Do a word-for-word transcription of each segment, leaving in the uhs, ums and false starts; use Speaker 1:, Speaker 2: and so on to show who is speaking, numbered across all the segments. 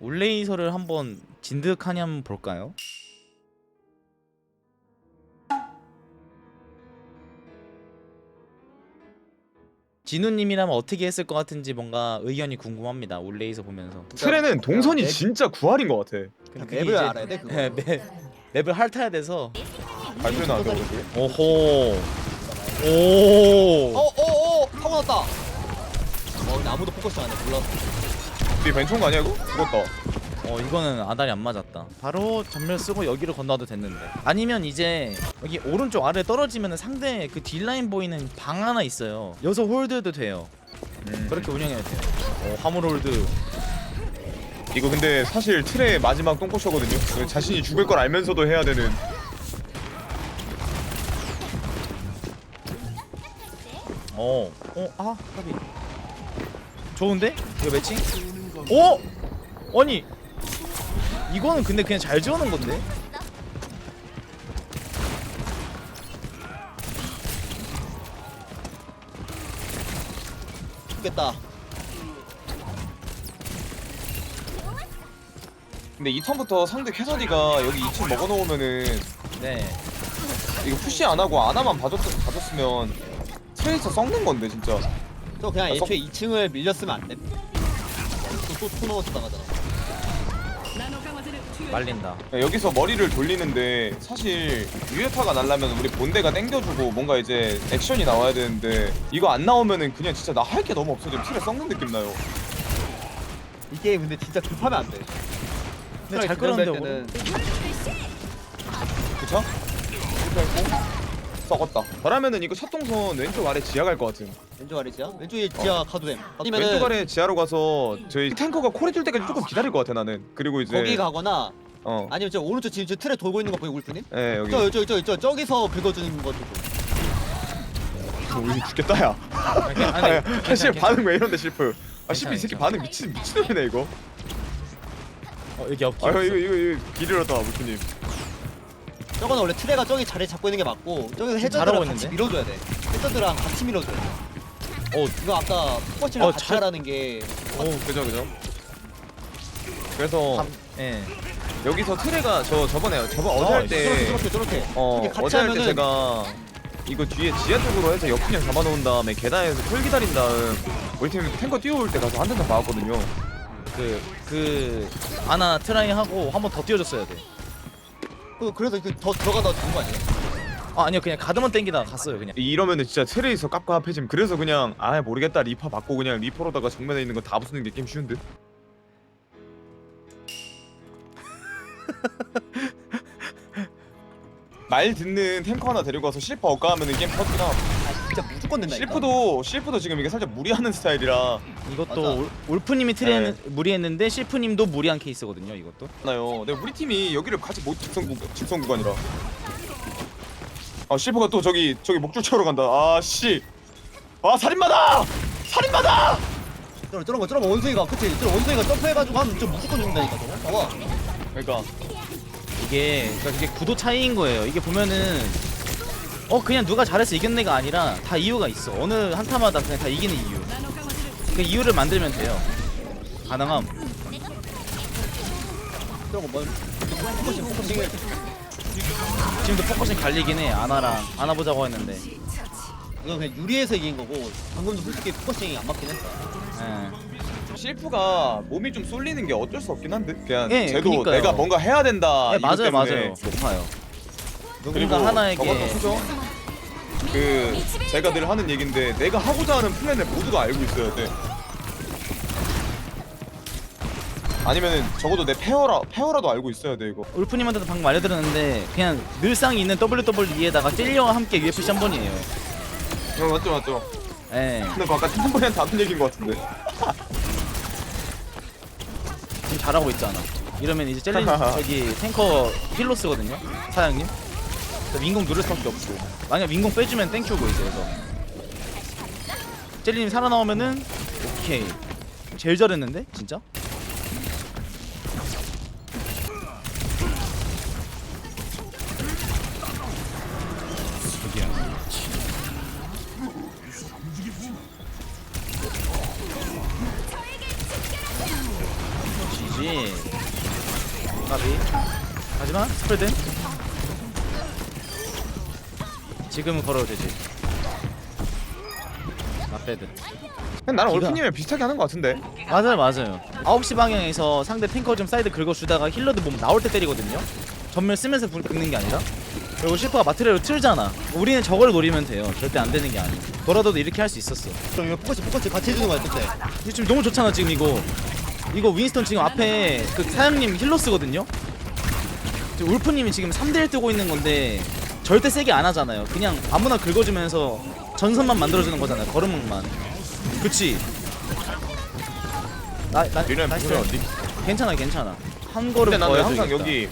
Speaker 1: 올레이서를 한번 진득하니 한번 볼까요? 진우님이라면 어떻게 했을 것 같은지 뭔가 의견이 궁금합니다. 올레이서 보면서.
Speaker 2: 트레는 동선이
Speaker 3: 맵-
Speaker 2: 진짜 구할인 것 같아.
Speaker 1: 근데
Speaker 3: 맵을
Speaker 1: 이제-
Speaker 3: 알아야 돼, 그거.
Speaker 1: 네, 맵, 맵을 핥아야 돼서.
Speaker 2: 발표는 안 되고 그게.
Speaker 1: 오호. 오.
Speaker 3: 어, 어, 어, 타고 났다. 어, 근데 아무도 포커스 안 해. 몰랐어.
Speaker 2: 뒤에 벤총 거 아니야 이거? 죽었다.
Speaker 1: 어 이거는 아다리 안 맞았다. 바로 전멸 쓰고 여기로 건너도 됐는데. 아니면 이제 여기 오른쪽 아래 떨어지면 상대 그 딜라인 보이는 방 하나 있어요. 여기서 홀드도 돼요.
Speaker 2: 음.
Speaker 1: 그렇게 운영해야 돼요. 어, 화물 홀드.
Speaker 2: 이거 근데 사실 트레의 마지막 똥꼬쇼거든요. 자신이 죽을 걸 알면서도 해야 되는.
Speaker 1: 어, 어, 아, 까비. 좋은데? 이거 매칭? 오! 아니, 이거는 근데 그냥 잘 지어놓은 건데?
Speaker 3: 죽겠다.
Speaker 2: 근데 이 턴부터 상대 캐서디가 여기 이 층 먹어놓으면은
Speaker 1: 네.
Speaker 2: 이거 푸시 안 하고 아나만 봐줬, 봐줬으면 트레이서 썩는 건데 진짜.
Speaker 3: 저 그냥
Speaker 2: 아,
Speaker 3: 애초에 이 층을 밀렸으면 안 돼. 또또 넣어서 나가잖아.
Speaker 1: 말린다.
Speaker 2: 여기서 머리를 돌리는데 사실 유효타가 날라면 우리 본대가 땡겨주고 뭔가 이제 액션이 나와야 되는데 이거 안 나오면은 그냥 진짜 나 할 게 너무 없어. 지금 트레 썩는 느낌 나요.
Speaker 3: 이 게임 근데 진짜 급하면 안 돼.
Speaker 1: 근데 잘 끌었는데
Speaker 3: 때는
Speaker 2: 그쵸? 썩었다. 저라면은 이거 첫 동선 왼쪽 아래 지하 갈 것 같은.
Speaker 3: 왼쪽 아래 지하? 왼쪽에 지하 가도 됨. 아니면은
Speaker 2: 왼쪽 아래 지하로 가서 저희 탱커가 콜 해줄 때까지 조금 기다릴 것 같아 나는. 그리고 이제
Speaker 3: 거기 가거나
Speaker 2: 어.
Speaker 3: 아니면 저 오른쪽 지금 저 틀에 돌고 있는 거 보이 울프님?
Speaker 2: 예 여기.
Speaker 3: 저 저 저 저 저기서 긁어주는 거 조금.
Speaker 2: 우리 죽겠다 야.
Speaker 1: 아니,
Speaker 2: 아, 사실
Speaker 1: 괜찮아,
Speaker 2: 반응 왜 이런데 실프. 아 실프 이
Speaker 1: 괜찮아,
Speaker 2: 새끼
Speaker 1: 괜찮아.
Speaker 2: 반응 미친 미친놈이네 이거.
Speaker 1: 어, 여기 옆.
Speaker 2: 아 이거 이거 이거, 이거 길 잃었다 무프님.
Speaker 3: 저거는 원래 트레가 저기 자리 잡고 있는 게 맞고 저기서
Speaker 1: 잘하고
Speaker 3: 해저드랑 같이
Speaker 1: 있는데?
Speaker 3: 밀어줘야 돼. 해저드랑 같이 밀어줘야 돼.
Speaker 1: 어,
Speaker 3: 이거 아까 포커싱이랑
Speaker 1: 어,
Speaker 3: 같이
Speaker 1: 잘-
Speaker 3: 하라는 게
Speaker 2: 오 그죠 그죠. 그래서
Speaker 1: 함, 예.
Speaker 2: 여기서 트레가 저 저번에 저번 어제
Speaker 1: 어,
Speaker 2: 할 때
Speaker 3: 저렇게 저렇게 저렇게
Speaker 2: 어
Speaker 3: 저렇게 같이
Speaker 2: 어제 할 때
Speaker 3: 하면은
Speaker 2: 제가 이거 뒤에 지하 쪽으로 해서 역분양 잡아놓은 다음에 계단에서 풀 기다린 다음 우리 팀 탱커 뛰어올 때 가서 한 대만 박았거든요.
Speaker 1: 그, 그, 아나 트라이 하고 한 번 더 띄워줬어야 돼.
Speaker 3: 그- 그래서 그 더 들어가다 죽은 거 아니에요?
Speaker 1: 아, 아니요. 그냥 가드만 땡기다가 갔어요, 그냥.
Speaker 2: 이러면은 진짜 트레이서 깝깝해짐. 그래서 그냥 아 모르겠다 리퍼 받고 그냥 리퍼로다가 정면에 있는 거 다 부수는 게 게임 쉬운 듯. 말 듣는 탱커 하나 데리고 와서 실프 억가하면은 게임 터지나
Speaker 3: 아 진짜 무조건 된다니까.
Speaker 2: 실프도 실프도 지금 이게 살짝 무리하는 스타일이라
Speaker 1: 이것도
Speaker 3: 맞아.
Speaker 1: 올, 올프님이 트레 무리했는데 실프님도 무리한 케이스거든요, 이것도.
Speaker 2: 나요. 근데 우리 팀이 여기를 같이 못 직선 구 직선 구간이라. 아 실프가 또 저기 저기 목줄 채우러 간다. 아 씨. 아 살인마다. 살인마다.
Speaker 3: 저런 저런 거 저런 거 원숭이가 그치? 저런 원숭이가 점프해가지고 하면 저 무조건 죽는다니까 저거. 봐봐.
Speaker 2: 그러니까
Speaker 1: 이게, 그러니까 이게 구도 차이인 거예요. 이게 보면은 어 그냥 누가 잘해서 이겼네가 아니라 다 이유가 있어. 어느 한타마다 그냥 다 이기는 이유. 그 이유를 만들면 돼요. 가능함.
Speaker 3: 저런 거 뭐? 포커싱 포커싱.
Speaker 1: 지금도 포커싱 갈리긴 해. 아나랑 아나 보자고 했는데.
Speaker 3: 이건 그냥 유리해서 이긴 거고 방금도 솔직히 포커싱이 안 맞긴 했어.
Speaker 1: 예.
Speaker 2: 실프가 몸이 좀 쏠리는 게 어쩔 수 없긴 한데. 그냥
Speaker 1: 예,
Speaker 2: 쟤도
Speaker 1: 그니까요.
Speaker 2: 내가 뭔가 해야 된다.
Speaker 1: 네,
Speaker 2: 이것
Speaker 1: 맞아요,
Speaker 2: 때문에.
Speaker 1: 맞아요. 높아요.
Speaker 2: 그리고
Speaker 1: 누군가 하나에게
Speaker 2: 저것도 크죠? 그 제가 늘 하는 얘긴데 내가 하고자 하는 플랜을 모두가 알고 있어야 돼. 아니면은 적어도 내 페어라 페어라도 알고 있어야 돼 이거.
Speaker 1: 울프님한테도 방금 알려드렸는데 그냥 늘상 있는 더블유더블유이에다가 찔려와 함께 유에프씨 한 번이에요.
Speaker 2: 어, 맞죠 맞죠.
Speaker 1: 예.
Speaker 2: 근데 아까 팀번이한테 하던 얘기인 것 같은데.
Speaker 1: 지금 잘하고 있잖아. 이러면 이제 젤린 저기 탱커 힐로 쓰거든요. 사장님. 그래서 민공 누를 수밖에 없고. 만약 민공 빼주면 땡큐고 이제 그래서. 젤리님 살아나오면은 오케이. 제일 잘했는데 진짜? 지지. 되나? 스프레드? 지금은 걸어도 되지. 나빼드.
Speaker 2: 그냥 나는
Speaker 1: 기가-
Speaker 2: 올프님이랑 비슷하게 하는 것 같은데.
Speaker 1: 맞아요 맞아요. 아홉 시 방향에서 상대 탱커 좀 사이드 긁어주다가 힐러드 몸 나올 때 때리거든요. 전멸 쓰면서 불 긁는 게 아니라. 그리고 슈퍼가 마트레로 틀잖아. 우리는 저걸 노리면 돼요. 절대 안 되는 게 아니야. 너라도 이렇게 할 수 있었어.
Speaker 3: 그럼 이거 포커스 포커스 같이 해주는 거야 그때.
Speaker 1: 이거 지금 너무 좋잖아 지금 이거. 이거 윈스턴 지금 앞에 그 사장님 힐러 쓰거든요. 지금 울프님이 지금 삼 대 일 뜨고 있는 건데 절대 세게 안 하잖아요. 그냥 아무나 긁어주면서 전선만 만들어주는 거잖아요. 걸음만. 그치? 나, 나,
Speaker 2: 니네
Speaker 1: 나이스.
Speaker 2: 뭐야? 니-
Speaker 1: 괜찮아 괜찮아. 한 걸음
Speaker 2: 근데
Speaker 1: 더
Speaker 2: 나는
Speaker 1: 해줘야겠다.
Speaker 2: 항상 여기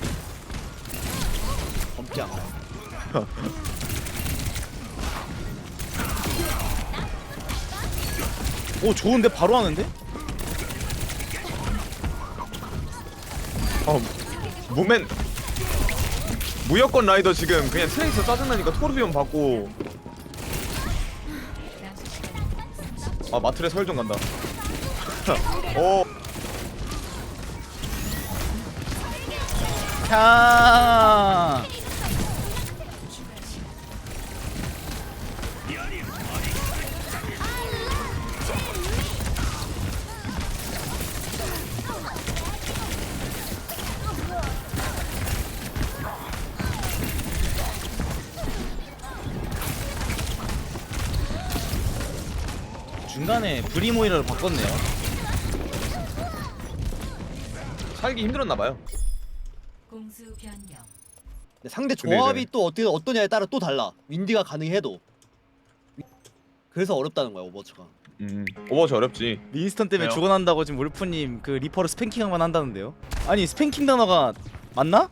Speaker 3: 범장.
Speaker 1: 오 좋은데 바로 하는데?
Speaker 2: 어 무맨 무여권 라이더 지금 그냥 트레이서 짜증나니까 토르비온 받고. 아 마트레 설정 간다. 어
Speaker 1: 캬. 중간에 브리모이라로 바꿨네요.
Speaker 2: 살기 힘들었나봐요.
Speaker 4: 공수 변경.
Speaker 3: 근데 상대
Speaker 2: 근데
Speaker 3: 조합이
Speaker 2: 이제-
Speaker 3: 또 어떻게 어떠냐에 따라 또 달라. 윈디가 가능해도. 그래서 어렵다는 거야 오버워치가.
Speaker 2: 음 오버워치 어렵지.
Speaker 1: 윈스턴 때문에
Speaker 2: 왜요?
Speaker 1: 죽어난다고 지금 울프님 그 리퍼를 스팽킹만 한다는데요? 아니 스팽킹 단어가 맞나?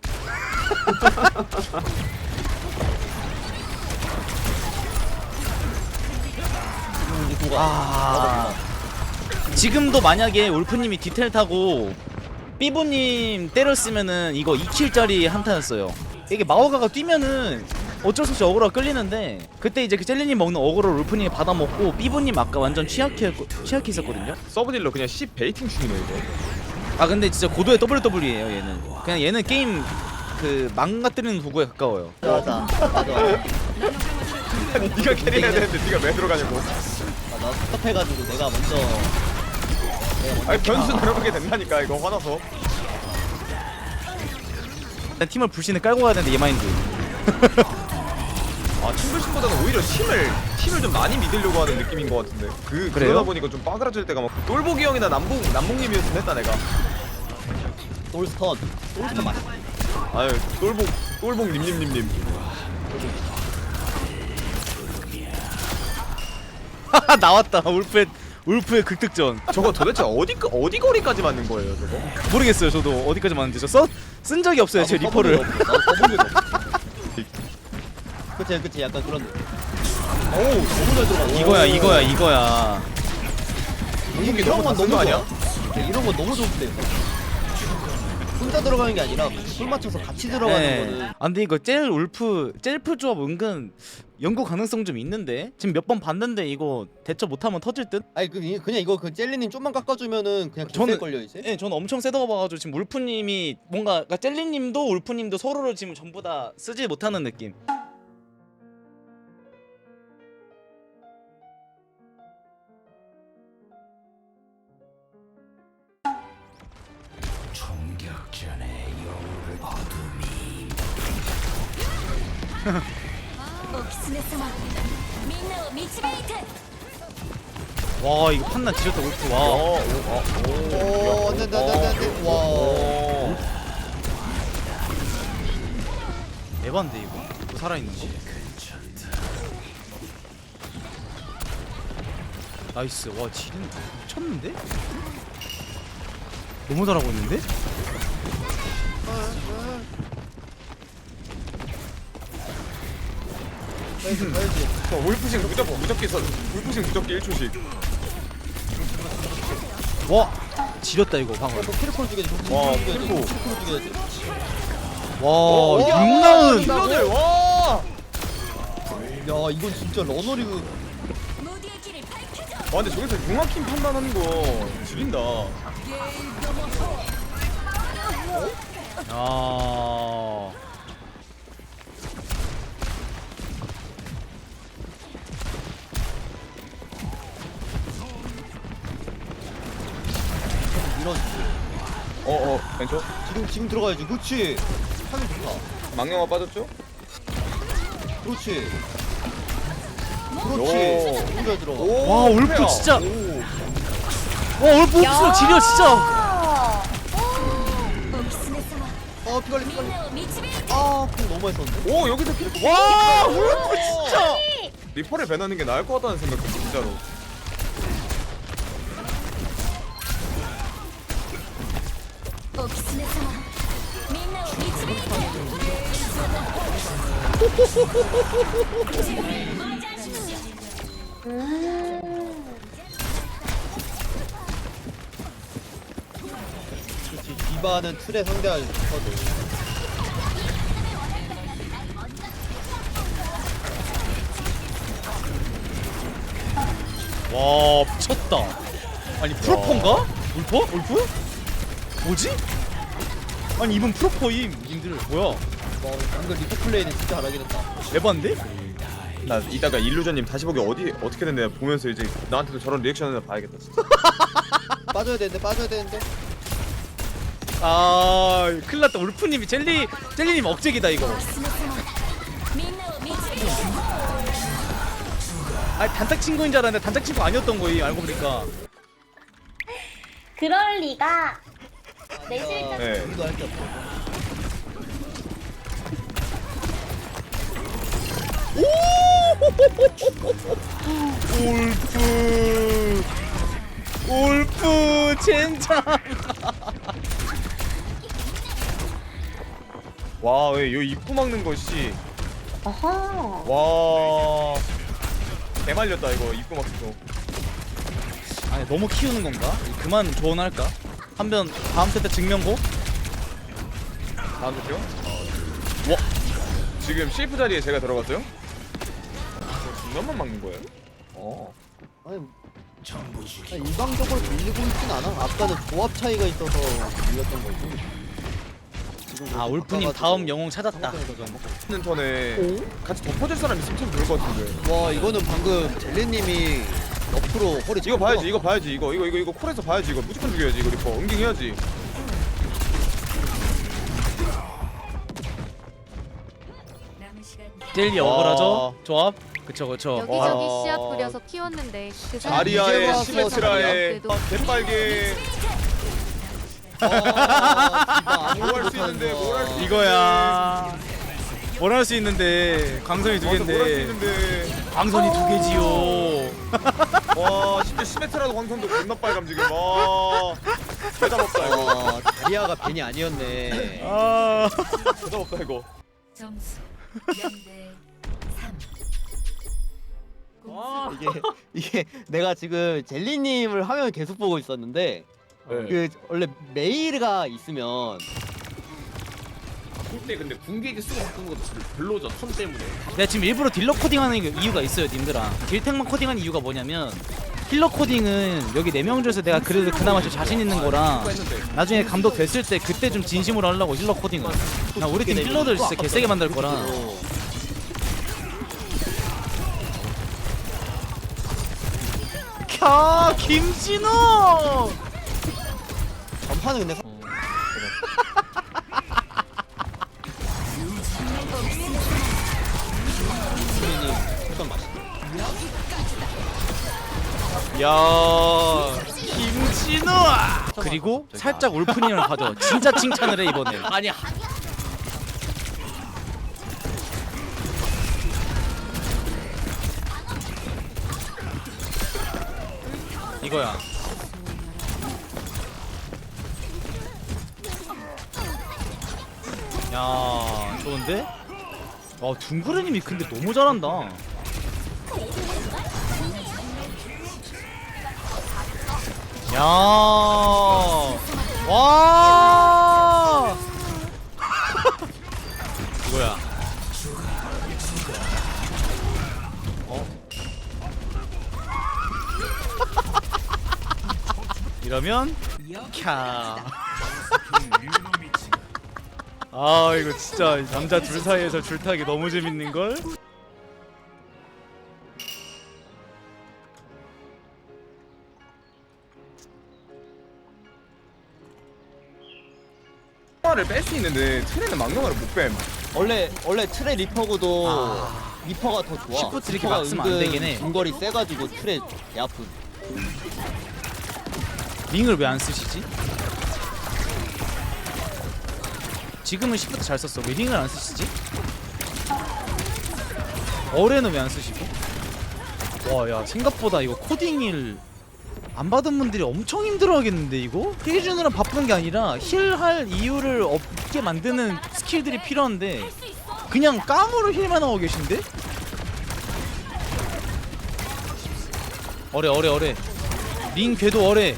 Speaker 3: 지금 이제 누가
Speaker 1: 아 지금도 만약에 울프님이 디테일 타고 삐부님 때렸으면은 이거 이 킬짜리 한타였어요. 이게 마오가가 뛰면은 어쩔 수 없이 어그로가 끌리는데 그때 이제 그 젤리님 먹는 어그로를 울프님이 받아먹고 삐부님 아까 완전 취약해 취약해 있었거든요.
Speaker 2: 서브딜러 그냥 씨 베이팅 중이네 이거.
Speaker 1: 아 근데 진짜 고도의 더블유더블유예요 얘는. 그냥 얘는 게임 그 망가뜨리는 도구에 가까워요.
Speaker 3: 맞아. 맞아.
Speaker 2: 아니 네가 캐리해야 되는데 네가 왜 들어가냐고.
Speaker 3: 맞아. 스톱해가지고 내가 먼저. 내가 먼저
Speaker 2: 아니 변수 내려가게 된다니까 이거 화나서.
Speaker 1: 일단 팀을 불신을 깔고 가야 되는데 얘 마인드.
Speaker 2: 아 팀불신보다는 오히려 팀을 팀을 좀 많이 믿으려고 하는 느낌인 것 같은데. 그
Speaker 1: 그래요?
Speaker 2: 그러다 보니까 좀 빠그라질 때가 막. 똘보기 형이나 남봉 남봉님이었으면 했다 내가.
Speaker 3: 돌스턴. 돌스턴 맛있.
Speaker 2: 아유 똘복 똘복 님님님님.
Speaker 1: 나왔다 울프의 울프의 극득전.
Speaker 2: 저거 도대체 어디 어디 거리까지 맞는 거예요 저거?
Speaker 1: 모르겠어요 저도 어디까지 맞는지 저 써 쓴 적이 없어요 제 리퍼를.
Speaker 3: 나도 써본 적이 없어. 그치 그치 약간 그런. 오 너무 잘 들어가.
Speaker 1: 이거야 이거야 이거야.
Speaker 2: 이게
Speaker 3: 이런
Speaker 2: 너무
Speaker 3: 건
Speaker 2: 다쓴
Speaker 3: 너무
Speaker 2: 거 아니야?
Speaker 3: 좋아. 네, 이런 건 너무 좋은데. 혼자 들어가는 게 아니라 술 맞춰서 같이 들어가는
Speaker 1: 네.
Speaker 3: 거는.
Speaker 1: 아 근데 이거 젤 울프 젤프 조합 은근 연구 가능성 좀 있는데 지금 몇 번 봤는데 이거 대처 못하면 터질 듯?
Speaker 3: 아니 그 그냥 이거 그 젤리님 좀만 깎아주면은 그냥
Speaker 1: 저는-
Speaker 3: 개쎄 걸려 이제.
Speaker 1: 예, 저는 엄청 세다고 봐가지고 지금 울프님이 뭔가 그러니까 젤리님도 울프님도 서로를 지금 전부 다 쓰지 못하는 느낌. 와 이거 판단 지렸다 울프 와.
Speaker 2: 어, 오,
Speaker 3: 오, 안돼 안돼 안돼 안돼. 와.
Speaker 2: 오.
Speaker 1: 에반데 이거 또 살아있는 거. 나이스. 와 지린 미쳤는데? 너무 잘하고 있는데?
Speaker 3: 가야지 가야지.
Speaker 2: 어, 울프싱 무조건 무적기 선 울프싱 무적기 일 초씩.
Speaker 1: 와 지렸다 이거 방금.
Speaker 3: 또 키르코를 죽여야지.
Speaker 2: 와,
Speaker 3: 키르코를 죽여야지.
Speaker 2: 키르코.
Speaker 3: 키르코를 죽여야지.
Speaker 1: 와 육
Speaker 2: 와,
Speaker 1: 라운드.
Speaker 2: 힐러들 와.
Speaker 3: 야 이건 진짜 러너리그.
Speaker 2: 와 근데 저기서 융화킴 판단하는 거 지린다.
Speaker 1: 아.
Speaker 3: 밀어주지.
Speaker 2: 어어 벤처
Speaker 3: 지금 지금 들어가야지. 그렇지. 타격 좋다.
Speaker 2: 망령아 빠졌죠?
Speaker 3: 그렇지.
Speaker 2: 오.
Speaker 3: 그렇지. 너무 잘 들어가.
Speaker 2: 오,
Speaker 1: 와, 울프
Speaker 2: 페어.
Speaker 1: 진짜.
Speaker 2: 오.
Speaker 1: 와 오늘 복수 지려 진짜.
Speaker 3: 어 피갈리 피갈리. 아, 공 너무 많이 썼는데.
Speaker 2: 오 여기서 킬.
Speaker 1: 와 울프 진짜.
Speaker 2: 리퍼를 배나는 게 나을 것 같다는 생각 진짜로.
Speaker 3: 그렇지. 디바는 틀에 상대하기 좋거든.
Speaker 1: 와 미쳤다. 아니 프로포인가? 울퍼? 울프? 뭐지? 아니 이분 프로포임 님들 뭐야?
Speaker 3: 와 방금 리퍼 플레이는 진짜 잘하긴 했다.
Speaker 1: 에반데?
Speaker 2: 나 이따가 일루전님 다시 보기 어디 어떻게 됐냐 보면서 이제 나한테도 저런 리액션을 봐야겠다 진짜.
Speaker 3: 빠져야 되는데 빠져야 되는데.
Speaker 1: 아 큰일났다. 울프님이 젤리 젤리님 억제기다 이거. 아 단짝 친구인 줄 알았는데 단짝 친구 아니었던 거임 알고 보니까.
Speaker 5: 그럴 리가. 내
Speaker 3: 아,
Speaker 5: 실력.
Speaker 2: 네.
Speaker 3: 우리도 할 게 없어.
Speaker 1: 울프 울프 젠장.
Speaker 2: 와왜 요 입구 막는 것이
Speaker 5: 어허.
Speaker 2: 와 개말렸다 이거 입구 막는 거.
Speaker 1: 아니 너무 키우는 건가? 그만 조언할까? 한번 다음 세트 증명고?
Speaker 2: 다음 주죠? 와 지금 셰프 자리에 제가 들어갔어요? 중간만 막는 거예요? 어.
Speaker 3: 아니 아니, 일방적으로 밀리고 있진 않아. 아까는 조합 차이가 있어서 밀렸던 거지. 지금
Speaker 1: 아
Speaker 3: 그렇게
Speaker 1: 울프님
Speaker 3: 바꿔가지고
Speaker 1: 다음 영웅 찾았다.
Speaker 3: 상대에서 좀 먹고.
Speaker 2: 하는 턴에 같이 덮어줄 사람 있으면 참 좋을 것 같은데.
Speaker 3: 와 이거는 방금 젤리님이 옆으로 허리
Speaker 2: 이거 봐야지 이거 봐야지 이거 이거 이거 이거 콜에서 봐야지 이거 무조건 죽여야지 이거 리퍼 응징해야지.
Speaker 4: 남은 시간
Speaker 1: 젤리
Speaker 2: 와.
Speaker 1: 억울하죠? 조합? 그쵸 그쵸.
Speaker 6: 여기저기
Speaker 2: 와.
Speaker 6: 씨앗 뿌려서 키웠는데 그 사람
Speaker 2: 아리아의
Speaker 3: 이제 와서
Speaker 2: 시메트라의
Speaker 6: 그래도
Speaker 2: 개빨개
Speaker 3: 아,
Speaker 2: 뭘 할 수 있는데 뭘 할 수 있는데
Speaker 1: 이거야. 뭘 할 수 있는데 광선이 두
Speaker 2: 맞아, 뭘할 수
Speaker 1: 개인데
Speaker 2: 있는데
Speaker 1: 광선이 두 개지요.
Speaker 2: 와 심지어 시메트라도 광선도 존나 빨감 지금 와 대답 없다 이거
Speaker 3: 어, 다리아가 괜히 아니었네.
Speaker 1: 아.
Speaker 2: 대답 없다 이거.
Speaker 4: 점수 영 대 삼.
Speaker 3: 이게 이게 내가 지금 젤리님을 화면 계속 보고 있었는데
Speaker 2: 네.
Speaker 3: 그 원래 메일가 있으면
Speaker 7: 그때 근데 궁계기 쓰고 바꾼 것도 별로죠 턴 때문에.
Speaker 1: 내가 지금 일부러 딜러 코딩하는 이유가 있어요 님들아. 딜탱만 코딩하는 이유가 뭐냐면 힐러 코딩은 여기 네 명 중에서 내가 그래도 그나마 좀 자신 있는 거랑 나중에 감독 됐을 때 그때 좀 진심으로 하려고 힐러 코딩을. 나 우리 팀 힐러들 진짜 개세게 만들 거라. 캬 김진호.
Speaker 3: 전판은 근데 사- 젤리님 일단 맛있다.
Speaker 1: 야 김진호. 그리고 살짝 울프님을 가져. 진짜 칭찬을 해 이번에.
Speaker 7: 아니
Speaker 1: 이거야. 야 좋은데? 아 둥그레님이 근데 너무 잘한다. 야 와. 이거야. 어? 이러면 캬. 아 이거 진짜 남자 둘 사이에서 줄타기 너무 재밌는 걸.
Speaker 2: 망령아를 뺄 수 있는데 트레는 망령아를 못 뺨.
Speaker 3: 원래 원래 트레 리퍼고도
Speaker 1: 아.
Speaker 3: 리퍼가 더 좋아.
Speaker 1: 시프트 이렇게
Speaker 3: 리퍼가
Speaker 1: 막 쓰면 안
Speaker 3: 은근
Speaker 1: 되긴 해.
Speaker 3: 중거리 세가지고 트레 야프.
Speaker 1: 링을 왜 안 쓰시지? 지금은 시프트 잘 썼어. 왜 링을 안 쓰시지? 어레는 왜 안 쓰시고? 와, 야 생각보다 이거 코딩을 안 받은 분들이 엄청 힘들어하겠는데 이거? 힐 주느라 바쁜 게 아니라 힐할 이유를 없게 만드는 스킬들이 필요한데 그냥 깡으로 힐만 하고 계신데? 어레 어레 어레 링 궤도 어레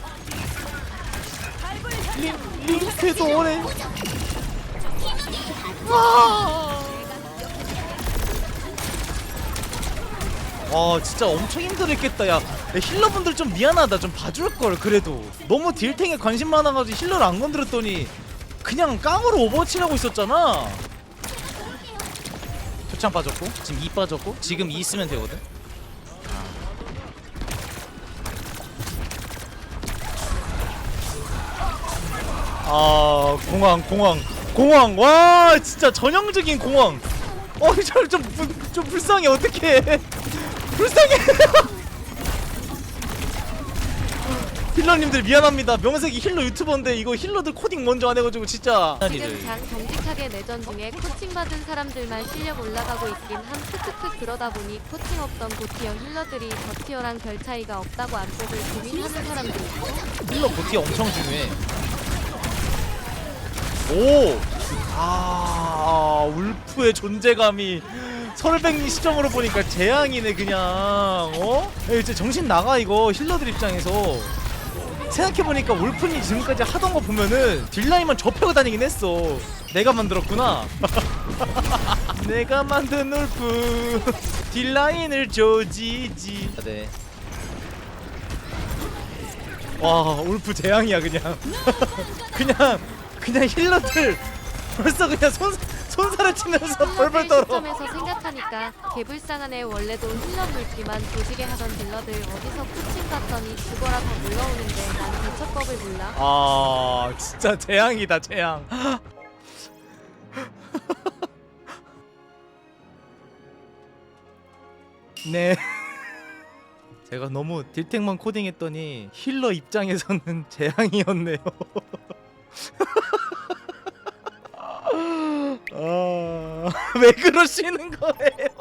Speaker 1: 링, 링 궤도 어레 와 진짜 엄청 힘들었겠다. 야 힐러분들 좀 미안하다. 좀 봐줄걸. 그래도 너무 딜탱에 관심 많아가지고 힐러를 안 건드렸더니 그냥 깡으로 오버워치 하고 있었잖아. 표창 빠졌고 지금 이 빠졌고 지금 이 쓰면 되거든. 아 공황 공황 공황 와 진짜 전형적인 공황. 어저좀 좀 불쌍해. 어떡해 불쌍해. 힐러님들 미안합니다. 명색이 힐러 유튜버인데 이거 힐러들 코딩 먼저 안 해가지고 진짜.
Speaker 6: 지금 장 정직하게 내전 중에 코칭받은 사람들만 실력 올라가고 있긴 함. 크크크. 그러다 보니 코칭 없던 고티어 힐러들이 저티어랑 별 차이가 없다고 안 뽑을 고민하는 사람들 있고.
Speaker 1: 힐러 보티 엄청 중요해. 오! 아, 울프의 존재감이 설백리 시점으로 보니까 재앙이네 그냥. 어? 야, 이제 정신 나가 이거 힐러들 입장에서. 생각해보니까 울프님 지금까지 하던 거 보면은 딜라인만 접하고 다니긴 했어. 내가 만들었구나. 내가 만든 울프 딜라인을 조지지. 네. 와 울프 재앙이야 그냥. 그냥 그냥 힐러들 벌써 그냥 손 손살을 치면서 벌벌 떨어.
Speaker 6: 시점에서 생각하니까 개불쌍한 애. 원래도 힐러 물기만 조지게 하던 딜러들 어디서 코칭 받더니 죽어라 더 물러오는데 난 대처법을 몰라.
Speaker 1: 아 진짜 재앙이다 재앙. 네. 제가 너무 딜탱만 코딩했더니 힐러 입장에서는 재앙이었네요. 아, 왜 그러시는 거예요?